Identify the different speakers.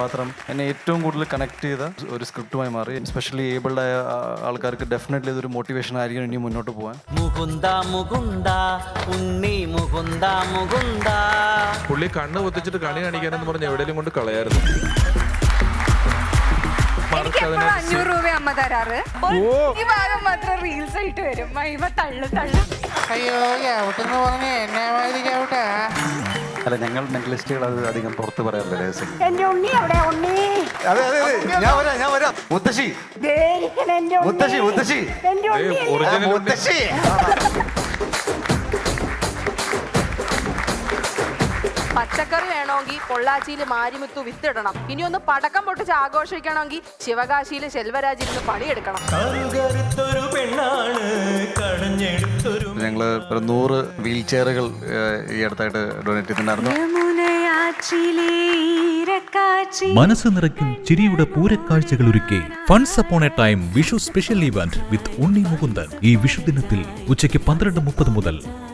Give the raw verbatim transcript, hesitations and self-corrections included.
Speaker 1: കഥാപാത്രം എന്നെ ഏറ്റവും കൂടുതൽ കണക്ട് ചെയ്ത ഒരു സ്ക്രിപ്റ്റുമായി മാറി. എസ്പെഷ്യലി ഏബിൾഡ് ആയ ആൾക്കാർക്ക് ഡെഫിനറ്റ്ലി ഇതൊരു മോട്ടിവേഷൻ ആയിരിക്കും ഇനി മുന്നോട്ട് പോകാൻ.
Speaker 2: മുകുന്ദ മുകുന്ദ ഉണ്ണി മുകുന്ദ മുകുന്ദ.
Speaker 3: പുള്ളി കണ്ണ് പൊത്തിച്ചിട്ട് കണി കാണിക്കാനെന്ന് പറഞ്ഞ് എവിടെയെങ്കിലും കൊണ്ട് കളയായിരുന്നു.
Speaker 4: അഞ്ഞൂറ് രൂപ അമ്മ തരാറ്. ഈ ഭാഗം മാത്രം റീൽസ് ആയിട്ട് വരും. മൈമ തള്ളു തള്ളു.
Speaker 5: അയ്യോ ചവിട്ടെന്ന് പറഞ്ഞ എന്നെ മാതിരി ചവിട്ടാ.
Speaker 6: അല്ല, ഞങ്ങൾ മെന്റലിസ്റ്റുകൾ അത് അധികം പുറത്ത് പറയാറില്ല രഹസ്യം.
Speaker 7: എന്റെ ഉണ്ണി അവിടെ ഉണ്ണി.
Speaker 6: അതെ അതെ അതെ, ഞാൻ വരാം ഞാൻ വരാം. മുത്തശ്ശി മുത്തശ്ശി മുത്തശ്ശി മുത്തശ്ശി.
Speaker 8: പച്ചക്കറി വേണമെങ്കിൽ പൊള്ളാച്ചിയിൽ മാരിമുത്തു വിത്തിടണം. ഇനി ഒന്ന് പടക്കം പൊട്ടിച്ച് ആഘോഷിക്കണമെങ്കിൽ ശിവകാശിയിൽ ശെൽവരാജിരുന്ന് പണിയെടുക്കണം.
Speaker 1: ഞങ്ങൾ ഒരു നൂറ് വീൽ ചെയറുകൾ ഈ അടുത്തായിട്ട് ഡൊണേറ്റ് ചെയ്തിട്ടുണ്ടായിരുന്നു.
Speaker 9: മനസ്സ് നിറയ്ക്കും ചിരിയുടെ പൂരക്കാഴ്ചകൾ ഒരുക്കി funs upon a time Vishu special event with Unni Mukundan ഈ വിഷുദിനത്തിൽ ഉച്ചയ്ക്ക് പന്ത്രണ്ട് മുപ്പത് മുതൽ